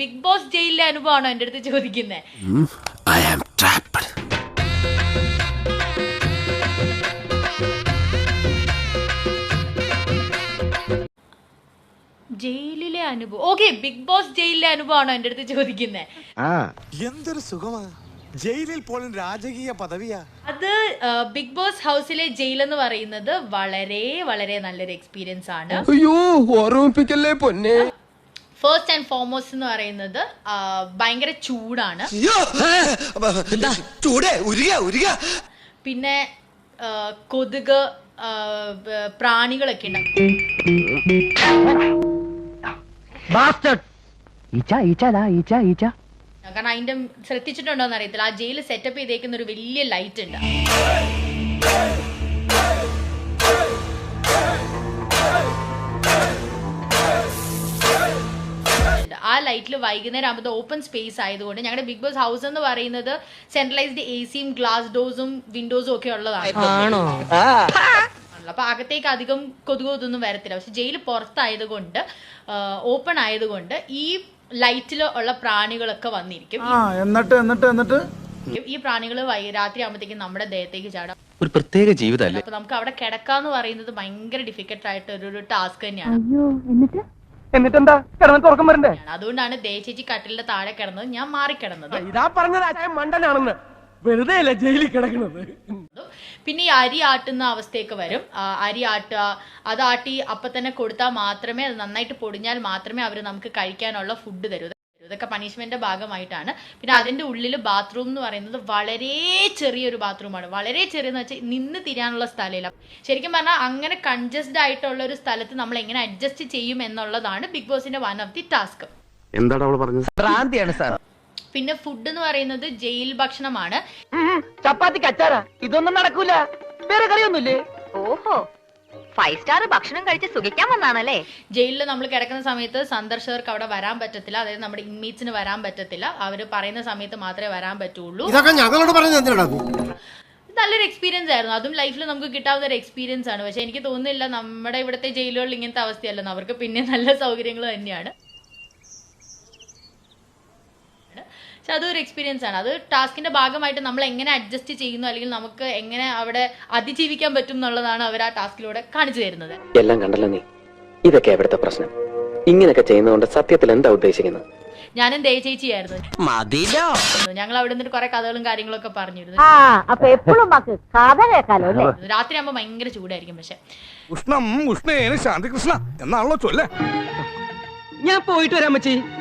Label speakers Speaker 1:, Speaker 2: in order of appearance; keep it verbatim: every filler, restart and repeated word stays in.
Speaker 1: Big boss ജയിലിലെ അനുഭവമാണോ എന്റെ അടുത്ത് ചോദിക്കുന്നത്? ജയിലിലെ അനുഭവം. ഓക്കെ, ബിഗ് ബോസ് ജയിലിലെ അനുഭവമാണോ എന്റെ അടുത്ത് ചോദിക്കുന്നത്?
Speaker 2: എന്തൊരു സുഖമാ ജയിലിൽ പോലും രാജകീയ പദവിയാ.
Speaker 1: അത് ബിഗ് ബോസ് ഹൗസിലെ ജയിൽ എന്ന് പറയുന്നത് വളരെ വളരെ നല്ലൊരു എക്സ്പീരിയൻസ് ആണ്.
Speaker 3: അയ്യോ ഓർമ്മിപ്പിക്കല്ലേ പൊന്നെ.
Speaker 1: ഫസ്റ്റ് ആൻഡ് ഫോർമോസ്റ്റ് എന്ന് പറയുന്നത് ഭയങ്കര ചൂടാണ്. പിന്നെ കൊതുക് പ്രാണികളൊക്കെ ഉണ്ട്. കാരണം അതിന്റെ ശ്രദ്ധിച്ചിട്ടുണ്ടോന്ന് അറിയത്തില്ല, ആ ജയിൽ സെറ്റപ്പ് ചെയ്തേക്കുന്ന ഒരു വലിയ ലൈറ്റ് ഉണ്ട്. ആ ലൈറ്റിൽ വൈകുന്നേരം ആകുമ്പോൾ ഓപ്പൺ സ്പേസ് ആയതുകൊണ്ട് ഞങ്ങളുടെ ബിഗ് ബോസ് ഹൗസ് എന്ന് പറയുന്നത് സെൻട്രലൈസ്ഡ് എ സിയും ഗ്ലാസ് ഡോസും വിൻഡോസും ഒക്കെ ഉള്ളതാണ്. അപ്പൊ അകത്തേക്ക് അധികം കൊതുകോ ഇതൊന്നും വരത്തില്ല. പക്ഷെ ജയിൽ പുറത്തായതുകൊണ്ട് ഓപ്പൺ ആയതുകൊണ്ട് ഈ ലൈറ്റിൽ ഉള്ള പ്രാണികളൊക്കെ വന്നിരിക്കും.
Speaker 4: എന്നിട്ട് എന്നിട്ട് എന്നിട്ട്
Speaker 1: ഈ പ്രാണികൾ രാത്രി ആകുമ്പോഴത്തേക്കും നമ്മുടെ ദേഹത്തേക്ക് ചാടാം.
Speaker 3: ഒരു പ്രത്യേക ജീവിതമല്ലേ.
Speaker 1: അപ്പൊ നമുക്ക് അവിടെ കിടക്കാന്ന് പറയുന്നത് ഭയങ്കര ഡിഫിക്കൽട്ട് ആയിട്ട് ഒരു ടാസ്ക് തന്നെയാണ്.
Speaker 4: എന്നിട്ടെന്താ കിടന്നിട്ട് ഉറക്കം വരണ്ടേ?
Speaker 1: അതുകൊണ്ടാണ് ദേചേച്ചി കട്ടിലിന്റെ താഴെ കിടന്നത്, ഞാൻ മാറിക്കിടന്നത്.
Speaker 4: ഇതാ പറഞ്ഞത് മണ്ടനാണെന്ന്. വെറുതെ അല്ല ജയിലിൽ കിടക്കുന്നത്.
Speaker 1: പിന്നെ ഈ അരി ആട്ടുന്ന അവസ്ഥയൊക്കെ വരും. അരി ആട്ടുക, അത് ആട്ടി അപ്പൊ തന്നെ കൊടുത്താൽ മാത്രമേ, അത് നന്നായിട്ട് പൊടിഞ്ഞാൽ മാത്രമേ അവർ നമുക്ക് കഴിക്കാനുള്ള ഫുഡ് തരൂ. ഇതൊക്കെ പണിഷ്മെന്റിന്റെ ഭാഗമായിട്ടാണ്. പിന്നെ അതിന്റെ ഉള്ളിൽ ബാത്റൂം എന്ന് പറയുന്നത് വളരെ ചെറിയൊരു ബാത്റൂമാണ്. വളരെ ചെറിയെന്ന് വെച്ചാൽ നിന്ന് തിരിയാനുള്ള സ്ഥലമില്ല. ശരിക്കും പറഞ്ഞാൽ അങ്ങനെ കൺജസ്റ്റഡ് ആയിട്ടുള്ള ഒരു സ്ഥലത്ത് നമ്മൾ എങ്ങനെ അഡ്ജസ്റ്റ് ചെയ്യും എന്നുള്ളതാണ് ബിഗ് ബോസിന്റെ വൺ ഓഫ് ദി ടാസ്ക്.
Speaker 5: എന്താണ് അവൾ പറഞ്ഞത്?
Speaker 4: ഭ്രാന്തിയാണ് സാർ.
Speaker 1: പിന്നെ ഫുഡ് എന്ന് പറയുന്നത് ജയിൽ ഭക്ഷണമാണ്.
Speaker 4: ചപ്പാത്തിക്ക് അച്ചാറാ, ഇതൊന്നും നടക്കൂല. വേറെ കറിയൊന്നുമില്ലേ?
Speaker 6: ഓഹോ, ഫൈവ് സ്റ്റാർ ഭക്ഷണം കഴിച്ച് സുഖിക്കാൻ വന്നാണല്ലേ.
Speaker 1: ജയിലിൽ നമ്മൾ കിടക്കുന്ന സമയത്ത് സന്ദർശകർക്ക് അവിടെ വരാൻ പറ്റത്തില്ല. അതായത് നമ്മുടെ ഇൻമേറ്റ്സിന് വരാൻ പറ്റത്തില്ല. അവർ പറയുന്ന സമയത്ത് മാത്രമേ വരാൻ പറ്റുള്ളൂ.
Speaker 2: ഇതൊക്കെ ഞങ്ങളോട് പറഞ്ഞത്
Speaker 1: നല്ലൊരു എക്സ്പീരിയൻസ് ആയിരുന്നു. അതും ലൈഫിൽ നമുക്ക് കിട്ടാവുന്ന ഒരു എക്സ്പീരിയൻസ് ആണ്. പക്ഷെ എനിക്ക് തോന്നുന്നില്ല നമ്മുടെ ഇവിടുത്തെ ജയിലുകളിൽ ഇങ്ങനത്തെ അവസ്ഥയല്ലെന്ന്. അവർക്ക് പിന്നെ നല്ല സൗകര്യങ്ങൾ തന്നെയാണ്. പക്ഷെ അതൊരു എക്സ്പീരിയൻസ് ആണ്. അത് ടാസ്കിന്റെ ഭാഗമായിട്ട് നമ്മൾ എങ്ങനെ അഡ്ജസ്റ്റ് ചെയ്യുന്നു, അല്ലെങ്കിൽ നമുക്ക് എങ്ങനെ അവിടെ അതിജീവിക്കാൻ പറ്റും എന്നുള്ളതാണ് അവർ ആ ടാസ്കിലൂടെ കാണിച്ചു തരുന്നത്.
Speaker 7: എല്ലാം കണ്ടല്ലോ നീ. ഇതൊക്കെ എവിടുത്തെ പ്രശ്നം? ഇങ്ങനെയൊക്കെ ചെയ്യുന്നതുകൊണ്ട് സത്യത്തിൽ എന്താ ഉദ്ദേശിക്കുന്നത്?
Speaker 1: ഞാനും ദേചേച്ചിയായിരുന്നു. ഞങ്ങൾ അവിടെ നിന്നിട്ട് കുറെ കഥകളും കാര്യങ്ങളൊക്കെ പറഞ്ഞിരുന്നു. രാത്രി ആകുമ്പോ ഭയങ്കര ചൂടായിരിക്കും. പക്ഷെ
Speaker 2: ഉഷ്ണം ഉഷ്ണേന ശാന്തികൃഷ്ണ എന്നാണല്ലോ ചൊല്ലേ.
Speaker 4: ഞാൻ പോയിട്ട് വരാൻ പറ്റി.